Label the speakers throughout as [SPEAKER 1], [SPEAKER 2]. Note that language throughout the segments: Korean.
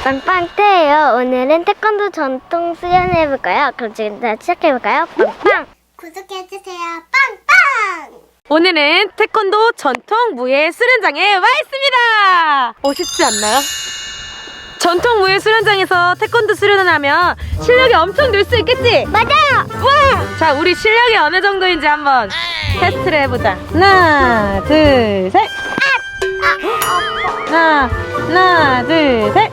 [SPEAKER 1] 빵빵태예요. 오늘은 태권도 전통 수련 해볼까요? 그럼 지금 시작해볼까요? 빵빵! 구독해주세요. 빵빵!
[SPEAKER 2] 오늘은 태권도 전통 무예 수련장에 와 있습니다. 멋있지 않나요? 전통 무예 수련장에서 태권도 수련을 하면 실력이 엄청 늘 수 있겠지?
[SPEAKER 1] 맞아요!
[SPEAKER 2] 와! 자, 우리 실력이 어느 정도인지 한번 테스트를 해보자. 하나, 둘, 셋! 하나, 둘, 셋!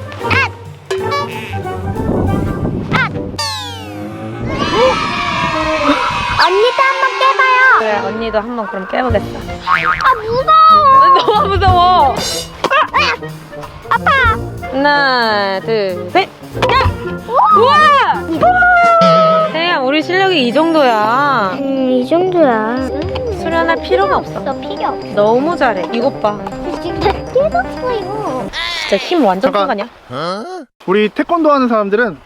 [SPEAKER 1] 언니도 한번 깨봐요.
[SPEAKER 2] 그래, 언니도 한번 그럼 깨보겠어.
[SPEAKER 1] 무서워.
[SPEAKER 2] 너무 무서워.
[SPEAKER 1] 아파.
[SPEAKER 2] 하나, 둘, 셋! 야! 우와! 태야, 우리 실력이 이 정도야.
[SPEAKER 1] 이 정도야.
[SPEAKER 2] 수련할 필요가 없어.
[SPEAKER 1] 너 필요 없어.
[SPEAKER 2] 너무 잘해. 이것 봐.
[SPEAKER 1] 지금 다 깨졌어 이거.
[SPEAKER 2] 진짜 힘 완전 큰 거
[SPEAKER 3] 잠깐.
[SPEAKER 2] 아니야?
[SPEAKER 3] 우리 태권도 하는 사람들은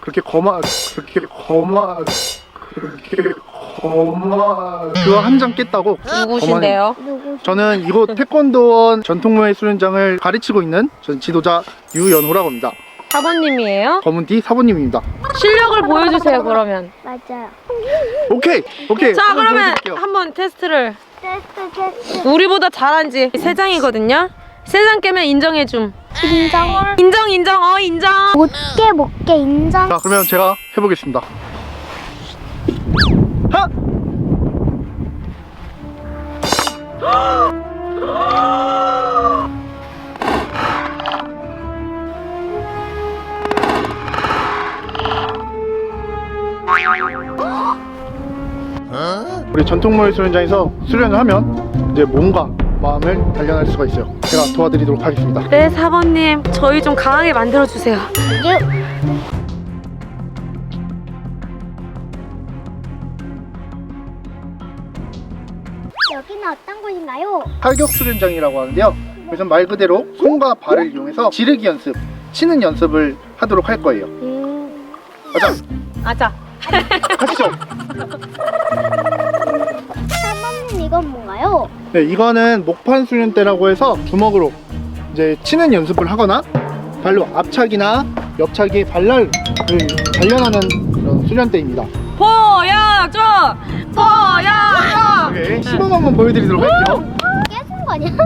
[SPEAKER 3] 그거 한 장 깼다고.
[SPEAKER 2] 누구신데요?
[SPEAKER 1] 누구?
[SPEAKER 3] 저는 이곳 태권도원 전통무예 수련장을 가르치고 있는 전 지도자 유연호라고 합니다.
[SPEAKER 2] 사모님이에요?
[SPEAKER 3] 검은띠 사부님입니다.
[SPEAKER 2] 실력을 보여주세요, 그러면.
[SPEAKER 1] 맞아요.
[SPEAKER 3] 오케이.
[SPEAKER 2] 자,
[SPEAKER 3] 한번
[SPEAKER 2] 그러면
[SPEAKER 3] 보여드릴게요.
[SPEAKER 2] 한번 테스트를.
[SPEAKER 1] 테스트.
[SPEAKER 2] 우리보다 잘한지. 세 장이거든요? 세 장 깨면 인정해줌.
[SPEAKER 1] 인정.
[SPEAKER 2] 인정, 인정.
[SPEAKER 1] 못 깨 인정.
[SPEAKER 3] 자, 그러면 제가 해보겠습니다. 하! 우리 전통무예 수련장에서 수련을 하면 이제 몸과 마음을 단련할 수가 있어요. 제가 도와드리도록 하겠습니다.
[SPEAKER 2] 네, 사모님. 저희 좀 강하게 만들어주세요.
[SPEAKER 1] 여기는 어떤 곳인가요?
[SPEAKER 3] 팔격 수련장이라고 하는데요. 그래서 말 그대로 손과 발을 이용해서 지르기 연습, 치는 연습을 하도록 할 거예요. 가자,
[SPEAKER 2] 아자.
[SPEAKER 3] 가시죠.
[SPEAKER 1] 사모님 이건 뭔가요?
[SPEAKER 3] 네, 이거는 목판 수련대라고 해서 주먹으로 이제 치는 연습을 하거나 발로 앞차기나 옆차기 발날을 단련하는 그런 수련대입니다.
[SPEAKER 2] 보여줘!
[SPEAKER 3] 오케이, 시범 한번 보여드리도록 할게요.
[SPEAKER 1] 깨진 거 아니야?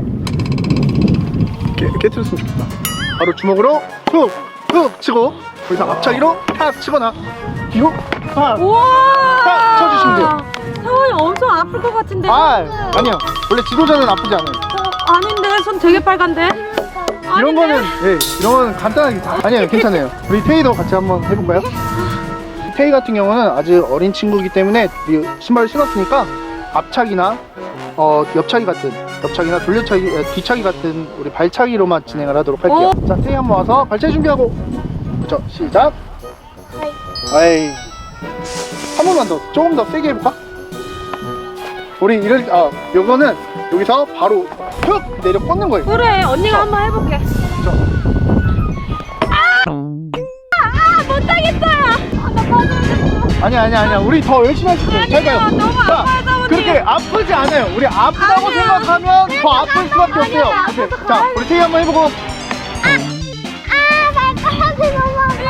[SPEAKER 3] 깨트렸으면 좋겠다. 바로 주먹으로 툭 치고 거기서 앞차기로 탁 치거나 뒤로 탁
[SPEAKER 2] 우와!
[SPEAKER 3] 쳐주시면 돼요.
[SPEAKER 2] 사모님 엄청 아플 것 같은데.
[SPEAKER 3] 아니요. 원래 지도자는 아프지 않아요.
[SPEAKER 2] 아닌데, 손 되게 빨간데?
[SPEAKER 3] 이런 거는 이런 거는 간단하게 다 아니에요. 괜찮아요. 우리 태희도 같이 한번 해볼까요? 태희 같은 경우는 아직 어린 친구이기 때문에 우리 신발을 신었으니까 앞차기나 옆차기나 뒤차기 같은 우리 발차기로만 진행을 하도록 할게요. 자, 태희 한번 와서 발차기 준비하고 그렇죠. 시작. 아이 한 번만 더 조금 더 세게 해볼까? 우리 요거는 여기서 바로 툭 내려 뻗는 거예요.
[SPEAKER 2] 그래, 언니가 한번 해볼게.
[SPEAKER 3] 아니야. 우리 더 열심히 할 수 있어요. 잘 가요.
[SPEAKER 2] 너무
[SPEAKER 3] 자,
[SPEAKER 2] 아파요, 사모님.
[SPEAKER 3] 그렇게 아프지 않아요. 우리 아프다고
[SPEAKER 2] 아니에요.
[SPEAKER 3] 생각하면 더 아플 수밖에 없어요. 오케이. 자, 우리 태희 한번 해보고.
[SPEAKER 1] 발가락이 너무 아파.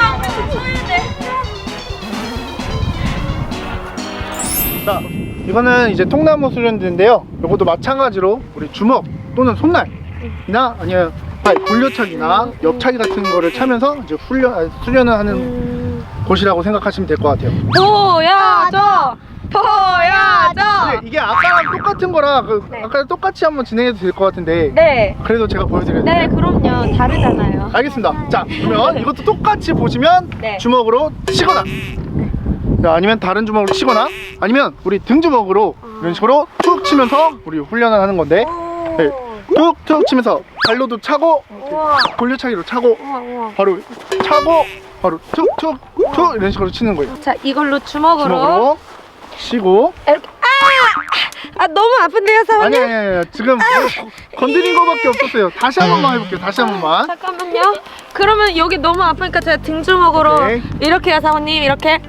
[SPEAKER 3] 자, 이거는 이제 통나무 수련대인데요. 이것도 마찬가지로 우리 주먹 또는 손날이나 아니면 돌려차기나 옆차기 같은 거를 차면서 이제 수련을 하는 곳이라고 생각하시면 될 것 같아요.
[SPEAKER 2] 보여줘!
[SPEAKER 3] 근데 이게 아까랑 똑같은 거라 아까랑 똑같이 한번 진행해도 될 것 같은데
[SPEAKER 2] 네.
[SPEAKER 3] 그래도 제가 보여드려야 돼요.
[SPEAKER 2] 네, 그럼요. 다르잖아요.
[SPEAKER 3] 알겠습니다. 자, 그러면 이것도 똑같이 보시면
[SPEAKER 2] 네.
[SPEAKER 3] 주먹으로 치거나 아니면 다른 주먹으로 치거나 아니면 우리 등 주먹으로 이런 식으로 툭 치면서 우리 훈련을 하는 건데 네, 툭툭 치면서 발로도 차고
[SPEAKER 2] 우와.
[SPEAKER 3] 골려차기로 차고
[SPEAKER 2] 우와.
[SPEAKER 3] 바로 차고 바로 툭툭툭 이런 식으로 치는 거예요.
[SPEAKER 2] 자, 이걸로 주먹으로
[SPEAKER 3] 치고
[SPEAKER 2] 이렇게. 너무 아픈데요, 사모님?
[SPEAKER 3] 아니 지금 건드린 거밖에 없었어요. 다시 한 번만 해볼게요. 다시 한 번만.
[SPEAKER 2] 잠깐만요. 그러면 여기 너무 아프니까 제가 등주먹으로
[SPEAKER 3] 오케이.
[SPEAKER 2] 이렇게요, 사모님. 이렇게.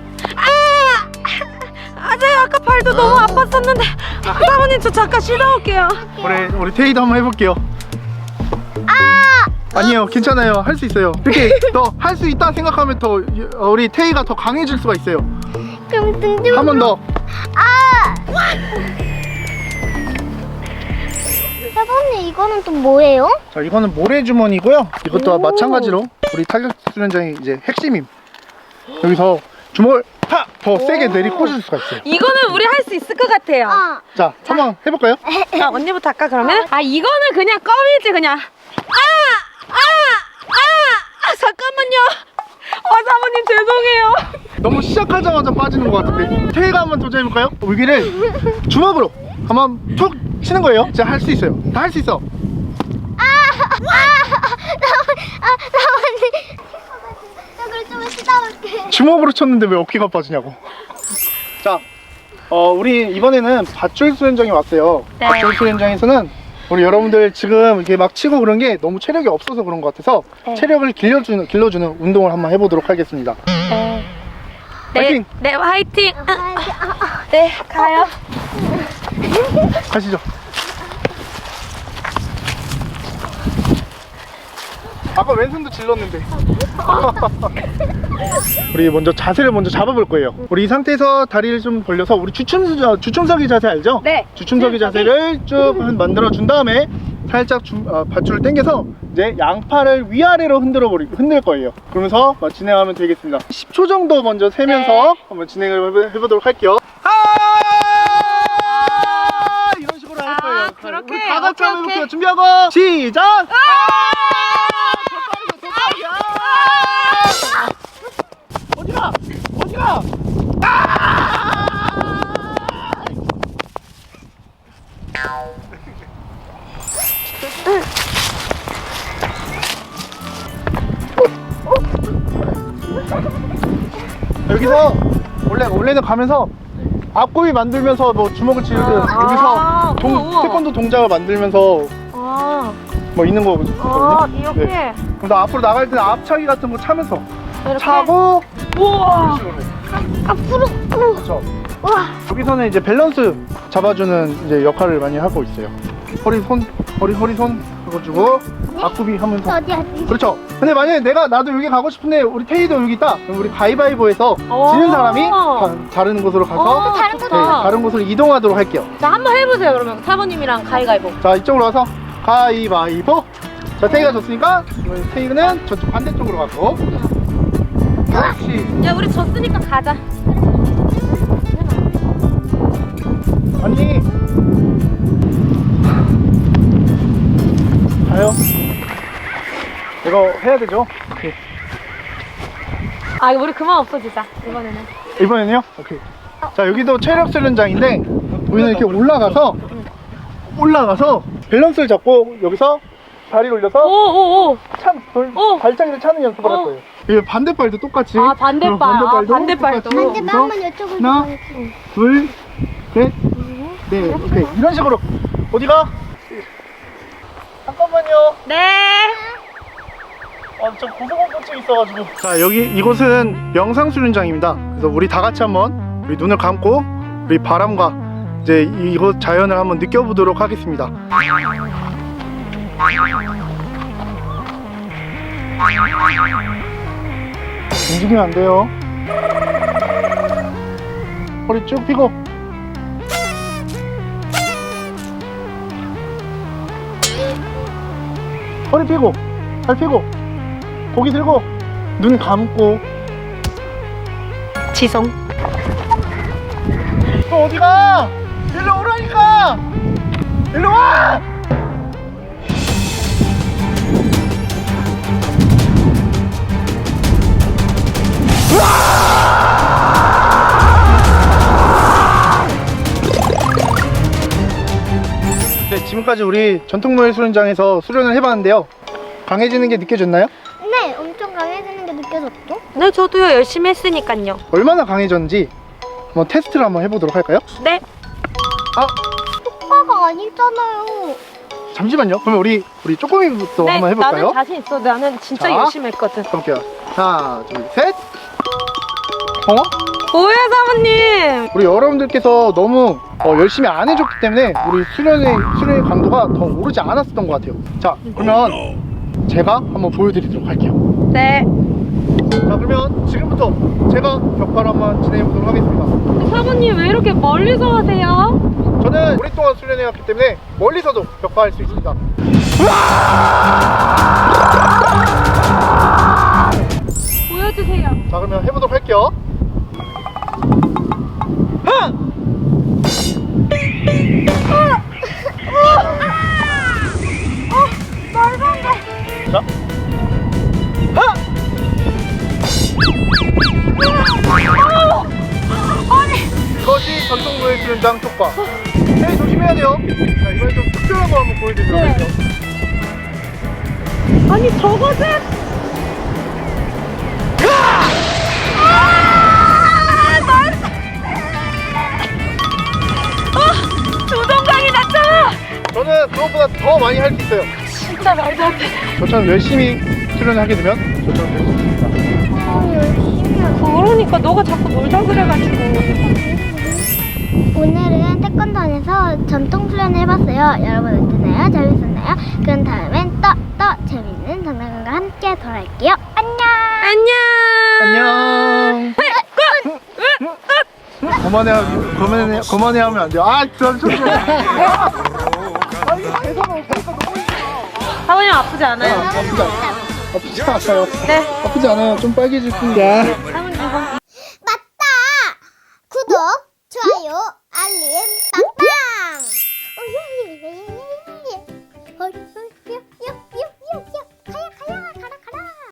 [SPEAKER 2] 제가 아까 발도 너무 아팠었는데. 사모님, 저 잠깐 쉬다 올게요.
[SPEAKER 3] 우리 태희도 한번 해볼게요. 아니에요, 괜찮아요. 할 수 있어요. 이렇게 더 할 수 있다 생각하면 더 우리 태희가 더 강해질 수가 있어요.
[SPEAKER 1] 그럼 등 좀.
[SPEAKER 3] 한 번 더.
[SPEAKER 1] 아! 사부님 이거는 또 뭐예요?
[SPEAKER 3] 자, 이거는 모래주머니고요. 이것도
[SPEAKER 2] 오.
[SPEAKER 3] 마찬가지로 우리 타격 수련장의 이제 핵심임. 여기서 주먹을 더 세게 내리꽂을 수가 있어요.
[SPEAKER 2] 이거는 우리 할 수 있을 것 같아요.
[SPEAKER 3] 자, 한번 해볼까요?
[SPEAKER 2] 자, 언니부터 할까 그러면? 아, 이거는 그냥 껌이지 그냥. 잠깐만요. 사모님 죄송해요.
[SPEAKER 3] 너무 시작하자마자 빠지는 것 같은데. 태희가 한번 도전해볼까요? 여기를 주먹으로 한번 툭 치는 거예요. 진짜 할 수 있어요. 다 할 수 있어.
[SPEAKER 1] 사부님. 저걸 좀 쉬다 올게.
[SPEAKER 3] 주먹으로 쳤는데 왜 어깨가 빠지냐고. 자, 우리 이번에는 밧줄 수련장에 왔어요.
[SPEAKER 2] 네.
[SPEAKER 3] 밧줄 수련장에서는 우리 여러분들 지금 이렇게 막 치고 그런 게 너무 체력이 없어서 그런 것 같아서
[SPEAKER 2] 네.
[SPEAKER 3] 체력을 길러주는 운동을 한번 해보도록 하겠습니다.
[SPEAKER 2] 네.
[SPEAKER 3] 화이팅!
[SPEAKER 2] 네, 화이팅. 네, 가요.
[SPEAKER 3] 가시죠. 아까 왼손도 질렀는데. 우리 먼저 자세를 먼저 잡아볼 거예요. 우리 이 상태에서 다리를 좀 벌려서 우리 주춤서기 자세 알죠?
[SPEAKER 2] 네.
[SPEAKER 3] 주춤서기 자세를 쭉 만들어 준 다음에 살짝 밧줄을 당겨서 이제 양팔을 위아래로 흔들 거예요. 그러면서 진행하면 되겠습니다. 10초 정도 먼저 세면서
[SPEAKER 2] 네.
[SPEAKER 3] 한번 진행을 해보도록 할게요. 이런 식으로 할 거예요.
[SPEAKER 2] 그렇게.
[SPEAKER 3] 우리 다 같이 한번
[SPEAKER 2] 오케이,
[SPEAKER 3] 해볼게요. 준비하고 시작! 어디가? 어디가? 여기서 원래는 가면서 앞구이 만들면서 뭐 주먹을 치르듯 여기서
[SPEAKER 2] 우와.
[SPEAKER 3] 태권도 동작을 만들면서 뭐 있는 거거든요.
[SPEAKER 2] 이렇게.
[SPEAKER 3] 네. 그래서 앞으로 나갈 때는 앞차기 같은 거 차면서
[SPEAKER 2] 이렇게.
[SPEAKER 3] 차고
[SPEAKER 2] 우와.
[SPEAKER 3] 이런 식으로.
[SPEAKER 1] 앞으로.
[SPEAKER 3] 그렇죠.
[SPEAKER 1] 와.
[SPEAKER 3] 여기서는 이제 밸런스 잡아주는 이제 역할을 많이 하고 있어요. 허리 손 해가지고 앞구비 하면서.
[SPEAKER 1] 어디?
[SPEAKER 3] 그렇죠. 근데 만약에 나도 여기 가고 싶은데 우리 테이도 여기 있다. 그럼 우리 가위바위보에서 지는 사람이 다른 곳으로 가서
[SPEAKER 1] 다른 곳으로.
[SPEAKER 3] 다른 곳으로 이동하도록 할게요.
[SPEAKER 2] 자, 한번 해보세요 그러면 사모님이랑 가위가위보.
[SPEAKER 3] 자, 이쪽으로 와서 가위바위보. 자, 테이가 졌으니까 테이는 저쪽 반대쪽으로 가고. 그렇지.
[SPEAKER 2] 야, 우리 졌으니까 가자.
[SPEAKER 3] 아니, 가요. 이거 해야 되죠? 오케이.
[SPEAKER 2] 아, 우리 그만 없어지자 이번에는.
[SPEAKER 3] 이번에는요? 오케이. 자, 여기도 체력 수련장인데 우리는 이렇게 올라가서 밸런스를 잡고 여기서 다리를 올려서
[SPEAKER 2] 오오오.
[SPEAKER 3] 발차기를 차는 연습을 할 거예요. 이 반대발도 똑같이.
[SPEAKER 2] 아, 반대발. 반대발도.
[SPEAKER 3] 똑같이.
[SPEAKER 1] 반대발 한번 이쪽으로.
[SPEAKER 3] 하나, 둘, 셋, 넷. 오케이. 이런 식으로. 어디가? 잠깐만요.
[SPEAKER 2] 네.
[SPEAKER 3] 저 고소공포증 있어가지고. 자, 이곳은 영상 수련장입니다. 그래서 우리 다 같이 한번 우리 눈을 감고 우리 바람과 이제 이곳 자연을 한번 느껴보도록 하겠습니다. 움직이면 안 돼요. 허리 쭉 펴고. 허리 펴고, 발 펴고, 고기 들고, 눈 감고.
[SPEAKER 2] 지성.
[SPEAKER 3] 너 어디가? 일로 오라니까! 일로 와! 네, 지금까지 우리 전통노예 수련장에서 수련을 해봤는데요. 강해지는 게 느껴졌나요?
[SPEAKER 1] 네, 엄청 강해지는 게 느껴졌죠?
[SPEAKER 2] 네, 저도요 열심히 했으니까요.
[SPEAKER 3] 얼마나 강해졌는지 한번 테스트를 한번 해보도록 할까요?
[SPEAKER 2] 네.
[SPEAKER 1] 오빠가 아니잖아요.
[SPEAKER 3] 잠시만요. 그러면 우리 쪼꼬미부터
[SPEAKER 2] 네,
[SPEAKER 3] 한번 해볼까요?
[SPEAKER 2] 나는 자신 있어. 나는 진짜
[SPEAKER 3] 자.
[SPEAKER 2] 열심히 했거든.
[SPEAKER 3] 가볼게요. 하나, 둘, 셋.
[SPEAKER 2] 뭐야 사모님?
[SPEAKER 3] 우리 여러분들께서 너무 열심히 안 해줬기 때문에 우리 수련의 강도가 더 오르지 않았었던 것 같아요. 자, 그러면 제가 한번 보여드리도록 할게요.
[SPEAKER 2] 네.
[SPEAKER 3] 자, 그러면 지금부터 제가 벽발 한번 진행해 보도록 하겠습니다.
[SPEAKER 2] 사모님 왜 이렇게 멀리서 하세요?
[SPEAKER 3] 저는 오랫동안 수련해왔기 때문에 멀리서도 벽발할 수 있습니다.
[SPEAKER 2] 보여주세요.
[SPEAKER 3] 자, 그러면 해보도록 할게요.
[SPEAKER 1] 말도 안 돼.
[SPEAKER 3] 자, 이것이 전통무예 수련장 촉박. 네, 조심해야 돼요. 자, 이번엔 좀 특별한 거 한번 보여드리도록
[SPEAKER 2] 네.
[SPEAKER 3] 할게요.
[SPEAKER 2] 아니 저것은 조동강이 났잖아.
[SPEAKER 3] 저는 그것보다 더 많이 할 수 있어요.
[SPEAKER 2] 진짜 말도 안 돼.
[SPEAKER 3] 저처럼 열심히 수련을 하게 되면 저처럼 될 수 있습니다.
[SPEAKER 1] 열심히 하고.
[SPEAKER 2] 그러니까 너가 자꾸 놀자 그래가지고.
[SPEAKER 1] 오늘은 태권도원에서 전통 수련을 해봤어요. 여러분 어땠나요? 재밌었나요? 그럼 다음엔 또 재밌는 장난감과 함께 돌아올게요. 안녕.
[SPEAKER 3] 안녕. 그만해 하면 안 돼요. 아, 잠시만요. 아, 이게 대사가 없으니까 너무
[SPEAKER 2] 사모님 아프지 않아요?
[SPEAKER 3] 아프지 않아요.
[SPEAKER 2] 네.
[SPEAKER 3] 아프지 않아요. 좀 빨개질 뿐이야.